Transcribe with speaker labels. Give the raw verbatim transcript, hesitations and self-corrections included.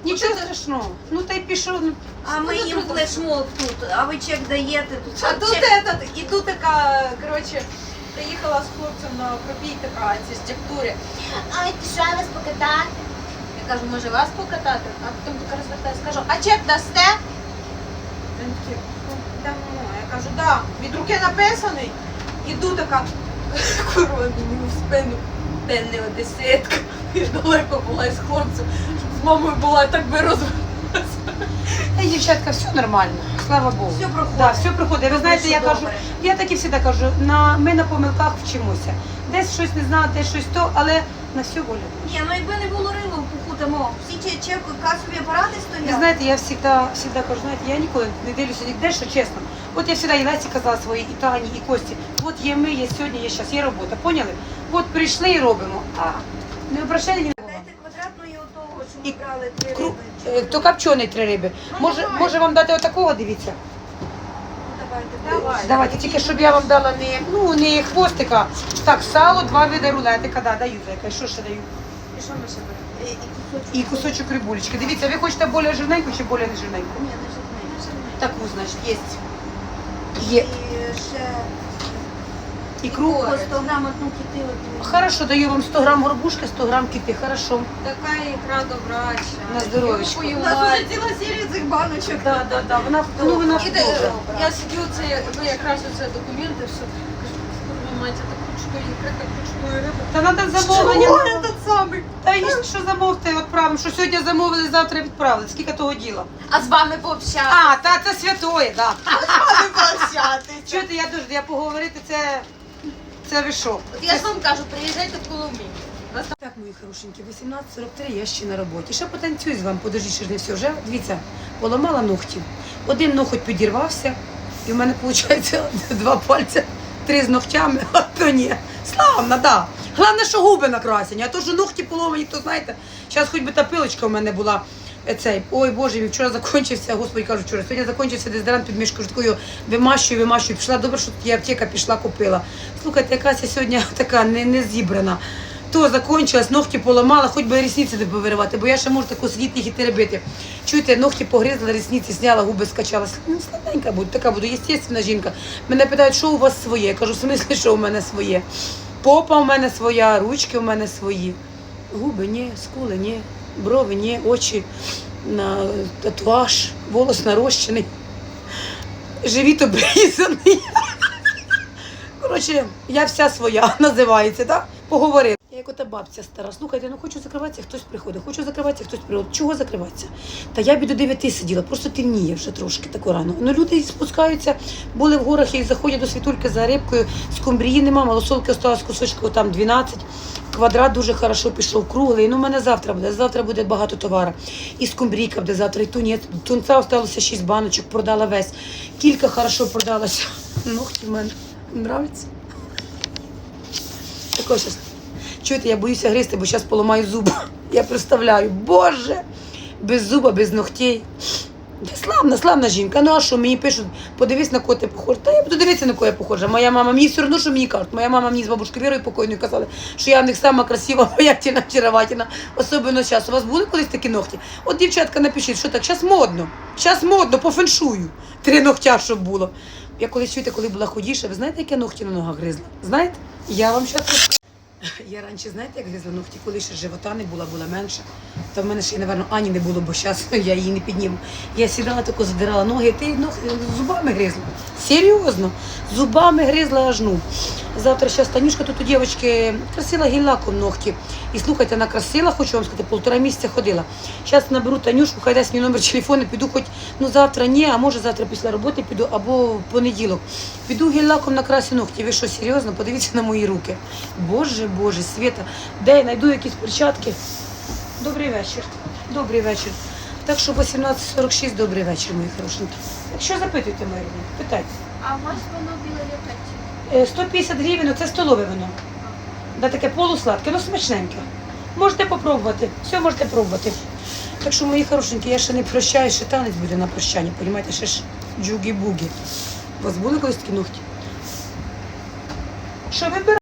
Speaker 1: Нічого страшного. Ну та й пішов. ну,
Speaker 2: А ми їм флешмоб тут, а ви чек даєте тут.
Speaker 3: А тут
Speaker 2: чек...
Speaker 3: этот, іду така, коротше, приїхала з хлопцем на пробій така, ці структури.
Speaker 2: Ай, ти що, вас покатати? Я кажу, може вас покатати? А потім така розвертаюся, скажу, а чек дасте?
Speaker 3: Він такий, ну, дамо. Я кажу, да, від руки написаний. Іду така, курва, мені в спину. Де не одеситка. Я далеко була із хлопцем. З мамою була, так би розвернулася.
Speaker 1: Та й, дівчатка, все нормально, слава Богу.
Speaker 3: Все проходить.
Speaker 1: Да, все проходить. Ви знаєте, я
Speaker 2: Все
Speaker 1: кажу,
Speaker 2: добре.
Speaker 1: я так і завжди кажу, на, ми на помилках вчимося. Десь щось не знаю, десь щось то, але на все воля.
Speaker 2: Ні, ну якби не було рилу в пуху, тому всі чек, чек, касові апарати
Speaker 1: Ви
Speaker 2: стоять.
Speaker 1: знаєте, я завжди, завжди кажу, знаєте, я ніколи не дивлюся ніде, що чесно. От я завжди і Лесі казала своїй, і Тані, і Кості. От є ми, є сьогодні, є зараз, є робота, поняли? От прийшли і робимо. А не обращали ні на кого.
Speaker 2: Дайте квадратної отого, що
Speaker 1: І
Speaker 2: ми брали три
Speaker 1: Кру...
Speaker 2: риби.
Speaker 1: е, То копчений три риби.
Speaker 2: Ну,
Speaker 1: Може,
Speaker 2: давай.
Speaker 1: може вам дати отакого, дивіться?
Speaker 2: Ну, давайте,
Speaker 3: Давай.
Speaker 1: Давайте, тільки щоб я вам дала не, ну, не хвостика. Так, сало, два види рулетика, да, даю зайка. І що ще даю?
Speaker 3: І що ми ще беремо?
Speaker 2: І, і кусочок.
Speaker 1: І кусочок рибулечки. Дивіться, ви хочете більш жирненьку чи більш не жирненьку?
Speaker 2: Ні, не жирний.
Speaker 1: Таку, значить, є. Є.
Speaker 2: І ще
Speaker 1: Ікру.
Speaker 2: по сто грам одну кипілку.
Speaker 1: Хорошо, даю вам сто грам горбушки, сто грам кити. Хорошо.
Speaker 3: Така ікра добрача.
Speaker 1: На здоров'ячко.
Speaker 3: Я
Speaker 2: У нас вже ціла серія цих баночок.
Speaker 1: Да, да, да. Вона, ну, вона
Speaker 3: І
Speaker 1: добра.
Speaker 3: де- Я сидю, це, ну якраз оце документи, все. Кажу, курва мать, я так хочу тої ікри, так хочу тої риби.
Speaker 1: Та треба замовлення.
Speaker 3: Що этот самий?
Speaker 1: Та і що замовте, відправимо, що сьогодні замовили, завтра відправили. Скільки того діла?
Speaker 2: А з вами пообщати.
Speaker 1: А, та це святоє, так. Да.
Speaker 3: Не прощатися.
Speaker 1: Чуєте, я дуже, я поговорити, це, це ви що?
Speaker 2: От я ж вам кажу, приїжджайте в Коломию.
Speaker 1: Так, мої хорошенькі, вісімнадцять сорок три, я ще на роботі. Ще потанцюю з вами, подождіть, ще ж не все. Вже, дивіться, поламала ногті. Один ноготь підірвався, і в мене, виходить, два пальця, три з ногтями, а то ні. Славно, да. Головне, що губи накрасені, а то, що ногті поломані, то знаєте, зараз хоч би та пилочка в мене була. е, Цей, ой Боже, мій вчора закінчився, господи кажу, вчора, сьогодні закінчився дезодорант під мішкою, такою вимащую, вимащую, пішла, добре, що тут є аптека, пішла, купила. Слухайте, якась я сьогодні така не, не зібрана. То закінчилась, ногті поламала, хоч би рісниці не повиривати, бо я ще можу таку сидіти їх і теребити. Чуєте, ногті погризла, рісниці зняла, губи скачала. Ну, слабенька буду, така буду, естественна жінка. Мене питають, що у вас своє? Я кажу, в смислі, що у мене своє? Попа у мене своя, ручки у мене свої. Губи ні, скули ні, брови ні, очі, на татуаж, волос нарощений, живіт обрізаний. Коротше, я вся своя, називається, так? Поговорили. Я як ота бабця стара, слухайте, ну хочу закриватися, хтось приходить, хочу закриватися, хтось приходить. Чого закриватися? Та я б до дев'яти сиділа, просто темніє вже трошки таку рано. Ну люди спускаються, були в горах і заходять до світульки за рибкою, скумбрії нема, малосолки осталось кусочка там дванадцять. Квадрат дуже хорошо пішов, круглий. Ну, у мене завтра буде, завтра буде багато товару. І скумбрійка буде завтра, і тунець. Тунця осталося шість баночок, продала весь. Кілька хорошо продалося. Ногті в мене нравиться. Також щас. Чуєте, я боюся гризти, бо зараз поламаю зуб. Я представляю, Боже, без зуба, без ногтей. Та славна, славна жінка. Ну а що, мені пишуть, подивись, на кого ти похожа. Та я буду дивитися, на кого я похожа. Моя мама, мені все одно, що мені кажуть. Моя мама мені з бабушкою Вірою покойною казали, що я в них сама красива, обаятельна, очаровательна. Особливо зараз. У вас були колись такі ногті? От, дівчатка, напишіть, що так, зараз модно. Зараз модно, по феншую. Три ногтя, щоб було. Я колись, чуєте, коли була худіша, ви знаєте, як я ногті на ногах гризла? Знаєте? Я вам зараз... Я раніше, знаєте, як гризла ногті, коли ще живота не була, була менша. Та в мене ще, напевно, Ані не було, бо зараз я її не підніму. Я сідала, тако задирала ноги, ти ног, зубами гризла. Серйозно, зубами гризла аж ну. Завтра зараз Танюшка тут у дівчинки красила гель-лаком ногті. І слухайте, вона красила, хочу вам сказати, півтора місяця ходила. Зараз наберу Танюшку, хай дасть мій номер телефону, піду хоч, ну завтра ні, а може завтра після роботи піду, або в понеділок. Піду гель-лаком накрасю ногті. Ви що, серйозно? Подивіться на мої руки. Боже, Боже, Света, де я знайду якісь перчатки? Добрий вечір. Добрий вечір. Так що вісімнадцять сорок шість, добрий вечір, мої хорошенькі. Якщо запитуйте, мої рідні, питайте.
Speaker 2: А у вас воно біле літаті?
Speaker 1: Е, сто п'ятдесят гривень, це столове вино. Да, таке полусладке, ну смачненьке. Можете попробувати, все можете пробувати. Так що, мої хорошенькі, я ще не прощаю, ще танець буде на прощання, розумієте, ще ж джугі-бугі. У вас були колись такі ногті? Що вибирати?